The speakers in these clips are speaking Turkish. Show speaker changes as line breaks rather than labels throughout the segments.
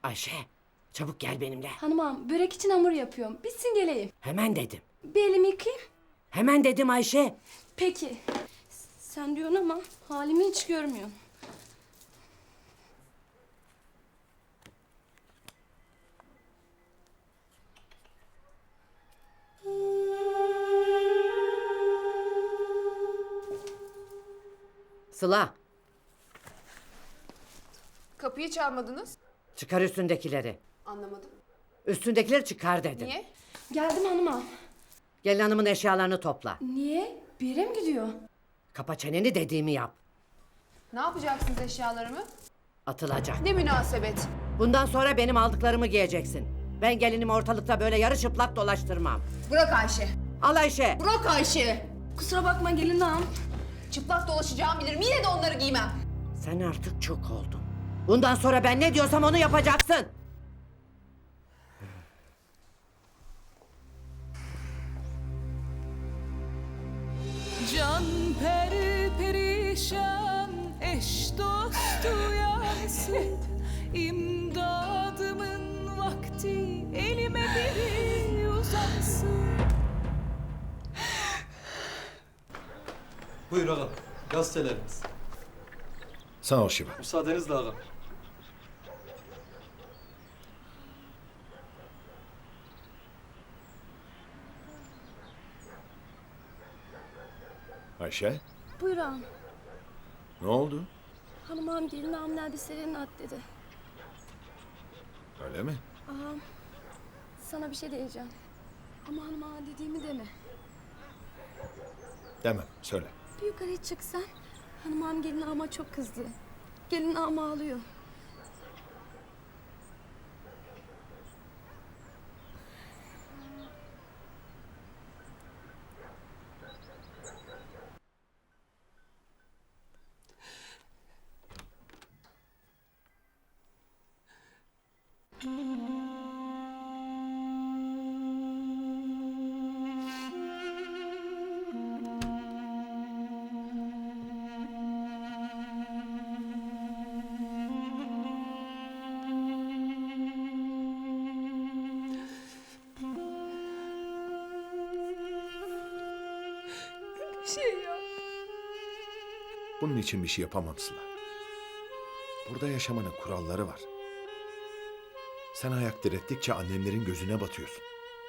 Ayşe, çabuk gel benimle.
Hanım ağam, börek için hamur yapıyorum. Bitsin geleyim.
Hemen dedim.
Bir elimi yıkayayım.
Hemen dedim Ayşe.
Peki. Sen diyorsun ama halimi hiç görmüyorsun.
Sıla,
Kapıyı çalmadınız.
çıkar üstündekileri.
Anlamadım.
Üstündekileri çıkar dedim.
Niye?
Geldim hanım ağam.
Gelin hanımın eşyalarını topla.
Niye? Bir yere mi gidiyor?
Kapa çeneni, dediğimi yap.
Ne yapacaksınız eşyalarımı?
Atılacak.
Ne münasebet.
Bundan sonra benim aldıklarımı giyeceksin. Ben gelinimi ortalıkta böyle yarı çıplak dolaştırmam.
Bırak Ayşe.
Al Ayşe.
Bırak Ayşe.
Kusura bakma gelin ağam.
Çıplak dolaşacağımı bilirim. Yine de onları giymem.
Sen artık çok oldun. Bundan sonra ben ne diyorsam onu yapacaksın.
Can peri perişan, eş dostu yansın. İmdadımın vakti, elime biri uzansın.
Buyur ağam, gazetelerimiz.
Sağ ol Şiva.
Müsaadenizle ağam.
Ayşe,
Buyur ağam.
ne oldu?
Hanım ağam gelin ağamın elbiselerini at dedi.
Öyle mi?
Ağam sana bir şey diyeceğim. Ama hanım ağa dediğimi deme.
Demem, söyle.
Bir yukarıya çıksan hanım ağam gelin ağama çok kızdı. Gelin ağam ağlıyor.
Bir şey yap.
Bunun için bir şey yapamam Sıla. Burada yaşamanın kuralları var. Sen ayak direttikçe annemlerin gözüne batıyorsun.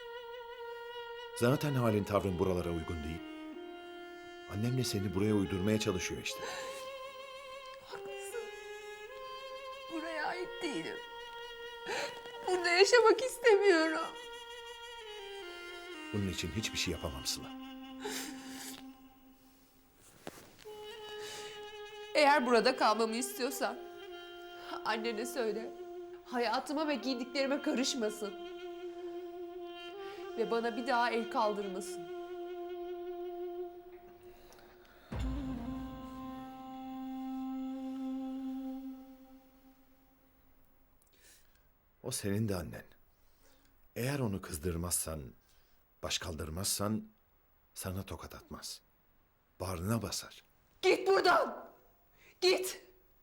Zaten halin tavrın buralara uygun değil. Annem de seni buraya uydurmaya çalışıyor işte.
Haklısın. Buraya ait değilim. Burada yaşamak istemiyorum.
Bunun için hiçbir şey yapamam Sıla.
Eğer burada kalmamı istiyorsan annene söyle. Hayatıma ve giydiklerime karışmasın. Ve bana bir daha el kaldırmasın.
O senin de annen. Eğer onu kızdırmazsan, baş kaldırmazsan sana tokat atmaz. Bağrına basar.
Git buradan! Git!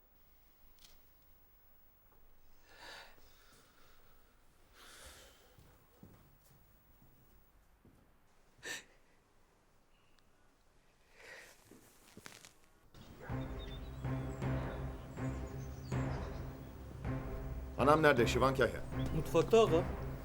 Anam nerede Şivan Kahya?
Mutfakta ağam.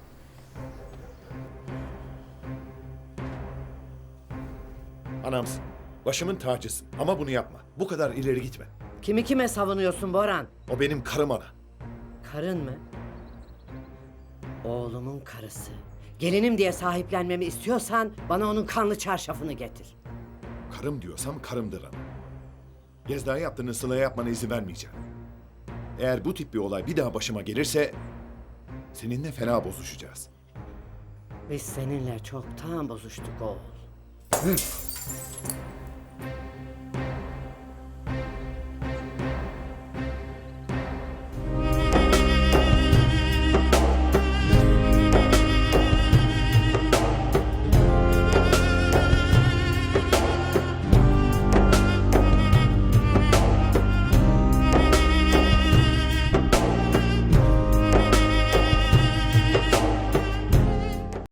Anamsın. Başımın tacısın. Ama bunu yapma. Bu kadar ileri gitme.
Kimi kime savunuyorsun Boran?
O benim karım ana.
Karın mı? Oğlumun karısı. Gelinim diye sahiplenmemi istiyorsan bana onun kanlı çarşafını getir.
Karım diyorsam karımdır ana. Gezdağ yaptığını Sıla'ya yapmana izin vermeyeceğim. Eğer bu tip bir olay bir daha başıma gelirse seninle fena bozuşacağız.
Biz seninle çoktan bozuştuk oğul.